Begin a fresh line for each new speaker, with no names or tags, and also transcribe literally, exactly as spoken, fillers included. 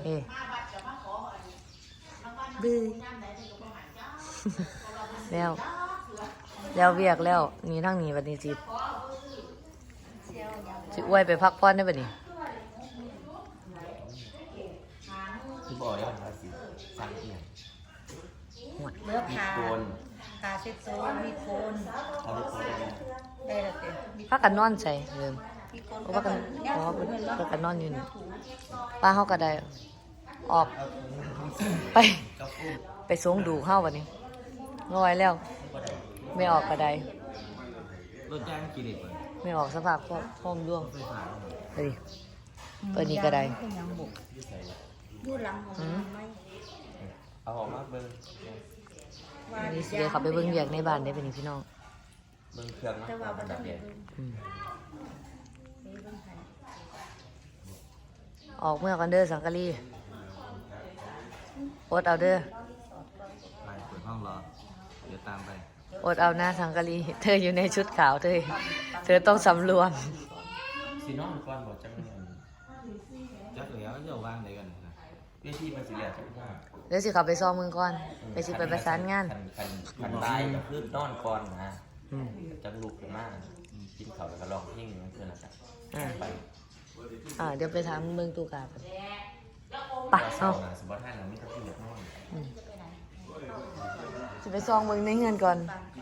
เฮ้บื้อแล้วแล้วเวียกแล้วนี่ทั้งนี้วันนี้จิจิอวยไปพักผ่อนได้ป่ะนี่
คือบอกได้ว่าสิสั่งเอียง
เลือกขาขาเช็ดโซ่มีโคน
เอาไปโคน
ได้แล้วเต็ม
พักกันนอนใส่เดิมเพราะว่ากันเพราะว่าพักกันนอนอยู่นี่ป้าเขาก็ได้ออกไปไปสูงดูเข้าวันนี้งอยแล้วไม่ออกก็ได้
รถจ้างกี่ลิตร
ไม่ออกสภาพก็พร้อมร่วงเฮ้ยเปิดนี้ก็ได้
ยูหลังของไม่
เอาออกมาเบิ้ง
อันนี้สิเดี๋ยวเขาไปเบิ้งเวียกในบ้านได้เป็นพี่น้อง
เบิ้งเครื่องนะแบบเดียว
ออกเมื่อกันเด้อสังกะรีโอดเอาเด้อ
ไปเปิดห้องรอเดี๋ยวตามไป
โอดเอาหน้าสังกะรีเธออยู่ในชุดขาวเธอเธอต้องสำรวม
ซีนอนก่อนบอกจังจักเหลียวจะวางไหนกันเวทีมันสีเหลืองจังว่า
เดี๋ยวสิขับไปซ้อมมึงก่อนไปสิไปประสานงาน
คันคันคันตายกับพืชนอนก่อนนะจังลุกขึ้นมากินข้าวแล้วก็ร้องเพลงนั่นคือนะครับไป
อ่าเดี๋ยวไปถามเมืองตูกาไปปักเอา
สมบัติให้เราไม่ต้องที่เหลือนอน
จะไปซองเมืองในเงินก่อน